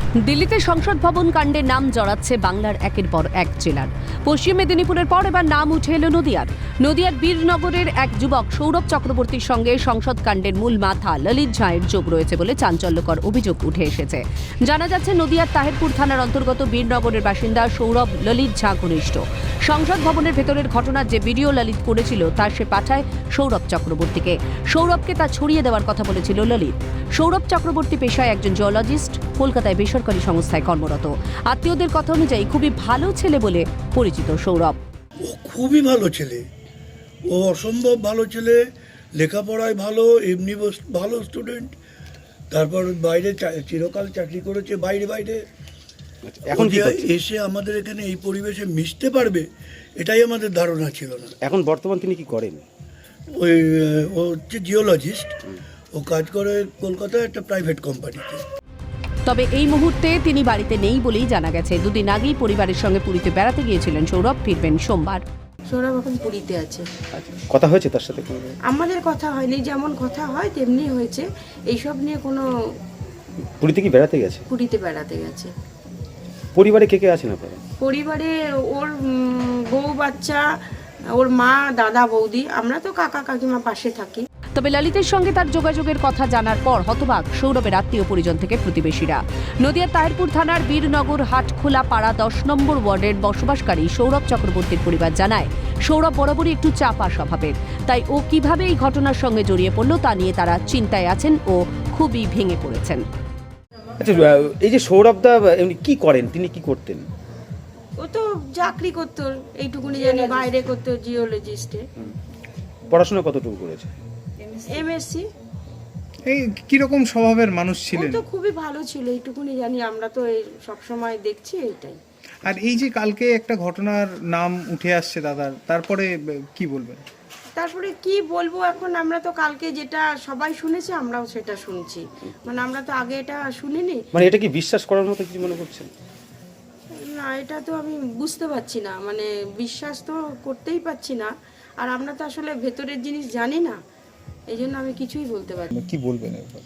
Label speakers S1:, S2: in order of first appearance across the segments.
S1: দিল্লিতে সংসদ ভবন কাণ্ডে নাম জড়াচ্ছে বাংলার একের পর এক জেলার। পশ্চিম মেদিনীপুরের পর এবার নাম উঠে এলো নদিয়ার বীরনগরের এক যুবক সৌরভ চক্রবর্তীর সঙ্গে সংসদ কাণ্ডের মূল মাথা ললিত ঝাঁয়ের যোগ রয়েছে বলে চাঞ্চল্যকর অভিযোগ উঠে এসেছে। জানা যাচ্ছে নদিয়ার তাহেরপুর থানার অন্তর্গত বীরনগরের বাসিন্দা সৌরভ ললিত ঝাঁ ঘনিষ্ঠ। সংসদ ভবনের ভেতরের ঘটনার যে ভিডিও ললিত করেছিল তা সে পাঠায় সৌরভ চক্রবর্তীকে। সৌরভকে তা ছড়িয়ে দেওয়ার কথা বলেছিল ললিত। সৌরভ চক্রবর্তী পেশায় একজন জিওলজিস্ট, কলকাতায় বেসরকারি সংস্থায় কর্মরত। আত্মীয়দের কথা অনুযায়ী খুবই ভালো ছেলে বলে পরিচিত সৌরভ।
S2: ও খুবই ভালো ছেলে, ও অসম্ভব ভালো ছেলে, লেখাপড়ায় ভালো, এমনি ভালো স্টুডেন্ট। তারপর বাইরে চিরকাল চাকরি করেছে বাইরে। এখন এসে আমাদের এখানে এই পরিবেশে মিশতে পারবে এটাই আমাদের ধারণা ছিল না।
S3: এখন বর্তমান তিনি কি করেন?
S2: ও হচ্ছে জিওলজিস্ট, ও কাজ করে কলকাতায় একটা প্রাইভেট কোম্পানিতে।
S1: তবে এই মুহূর্তে তিনি বাড়িতে নেই বলেই জানা গেছে। দুদিন আগেই পরিবারের সঙ্গে পুরীতে বেড়াতে গিয়েছিলেন সৌরভ, ফিরবেন সোমবার।
S4: সৌরভ এখন পুরীতে আছে।
S3: কথা হয়েছে তার সাথে?
S4: আমাদের কথা হয়নি, যেমন কথা হয় তেমনি হয়েছে। এইসব নিয়ে কোনো।
S3: পুরীতে কি বেড়াতে গেছে?
S4: পুরীতে বেড়াতে গেছে।
S3: পরিবারে কে কে আছেন আপনারা?
S4: পরিবারে ওর বউ বাচ্চা, ওর মা, দাদা, বৌদি, আমরা তো কাকা কাকিমা পাশে থাকি।
S1: তবে ললিতের সঙ্গে তার যোগাযোগের কথা জানার পর হতবাক সৌরভের আত্মীয় পরিজন থেকে প্রতিবেশীরা। নদিয়ার তাহেরপুর থানার বীরনগর হাটখোলা পাড়া 10 নম্বর ওয়ার্ডের বসবাসকারী সৌরভ চক্রবর্তীর পরিবার জানায়, সৌরভ বরাবরই একটু চাপা স্বভাবের। তাই ও কিভাবে এই ঘটনার সঙ্গে জড়িয়ে পড়ল তা নিয়ে তারা চিন্তায় আছেন ও খুবই ভেঙে পড়েছেন।
S3: আচ্ছা, এই যে সৌরভদা এমনি কি করেন, তিনি কি করতেন?
S4: ও তো চাকরি করতো, এইটুকুনি জানি, বাইরে করতো জিওলজিস্টে।
S3: পড়াশোনা কতটুকু করেছে?
S4: এমএসসি।
S5: এই কিরকম স্বভাবের মানুষ
S4: ও
S5: ছিলেন?
S4: তো খুবই ভালো ছিল, এইটুকুনি জানি, আমরা তো সব সময় দেখছি এইটাই।
S5: আর এই যে কালকে একটা ঘটনার নাম উঠে আসছে দাদার, তারপরে কি বলবেন?
S4: তারপরে কি বলবো, এখন আমরা তো কালকে যেটা সবাই শুনেছে আমরাও সেটা শুনছি, মানে আমরা তো আগে এটা শুনিনি।
S3: মানে এটা কি বিশ্বাস করার মতো কিছু মনে করছেন?
S4: না, এটা তো আমি বুঝতে পারছি না, মানে বিশ্বাস তো করতেই পারছি না। আর আমরা তো আসলে ভেতরের জিনিস জানি না, এই জন্য আমি কিছুই বলতে পারি না।
S5: কি বলবেন এবার?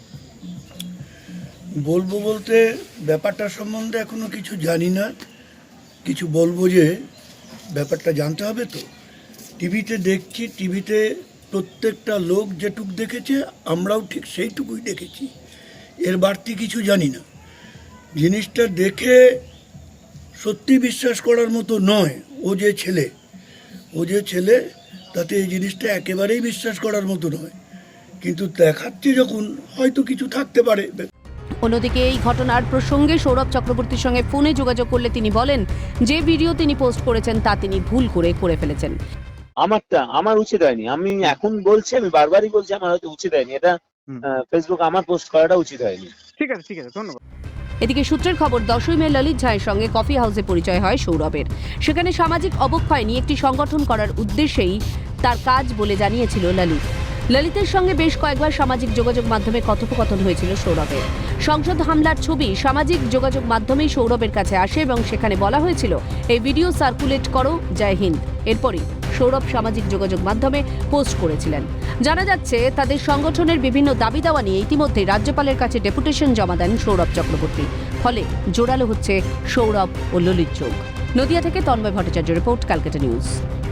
S2: বলবো বলতে ব্যাপারটা সম্বন্ধে এখনো কিছু জানি না। কিছু বলবো যে ব্যাপারটা জানতে হবে তো। টিভিতে দেখছি, টিভিতে প্রত্যেকটা লোক যেটুক দেখেছে আমরাও ঠিক সেইটুকুই দেখেছি, এর বাড়তি কিছু জানি না। জিনিসটা দেখে সত্যি বিশ্বাস করার মতো নয়। ও যে ছেলে তাতে এই জিনিসটা একেবারেই বিশ্বাস করার মতো নয়, কিন্তু দেখাচ্ছে যখন হয়তো কিছু থাকতে পারে।
S1: অন্যদিকে এই ঘটনার প্রসঙ্গে সৌরভ চক্রবর্তীর সঙ্গে ফোনে যোগাযোগ করলে তিনি বলেন, যে ভিডিও তিনি পোস্ট করেছেন তা তিনি ভুল করে ফেলেছেন।
S6: আমার উচিত হয়নি। আমি এখন বলছি, আমি বারবারই বলছি আমার হয়তো উচিত হয়নি। এটা ফেসবুক আমার পোস্ট করাটা উচিত হয়নি।
S5: ঠিক আছে, ধন্যবাদ।
S1: এদিকে সূত্রের খবর, 10ই মে ললিত ঝাঁয়ের সঙ্গে কফি হাউসে পরিচয় হয় সৌরভের। সেখানে সামাজিক অবক্ষয় নিয়ে একটি সংগঠন করার উদ্দেশ্যেই তার কাজ বলে জানিয়েছিল ললিতের সঙ্গে বেশ কয়েকবার সামাজিক যোগাযোগ মাধ্যমে কথোপকথন হয়েছিল সৌরভের। সংসদ হামলার ছবি সামাজিক যোগাযোগ মাধ্যমেই সৌরভের কাছে আসে এবং সেখানে বলা হয়েছিল, এই ভিডিও সার্কুলেট করো, জয় হিন্দ। এরপরই সৌরভ সামাজিক যোগাযোগ মাধ্যমে পোস্ট করেছিলেন। জানা যাচ্ছে তাদের সংগঠনের বিভিন্ন দাবি দাওয়া নিয়ে ইতিমধ্যে রাজ্যপালের কাছে ডেপুটেশন জমা দেন সৌরভ চক্রবর্তী। ফলে জোরালো হচ্ছে সৌরভ ও ললিত যোগ। নদিয়া থেকে তন্ময় ভট্টাচার্য রিপোর্ট, ক্যালকাটা নিউজ।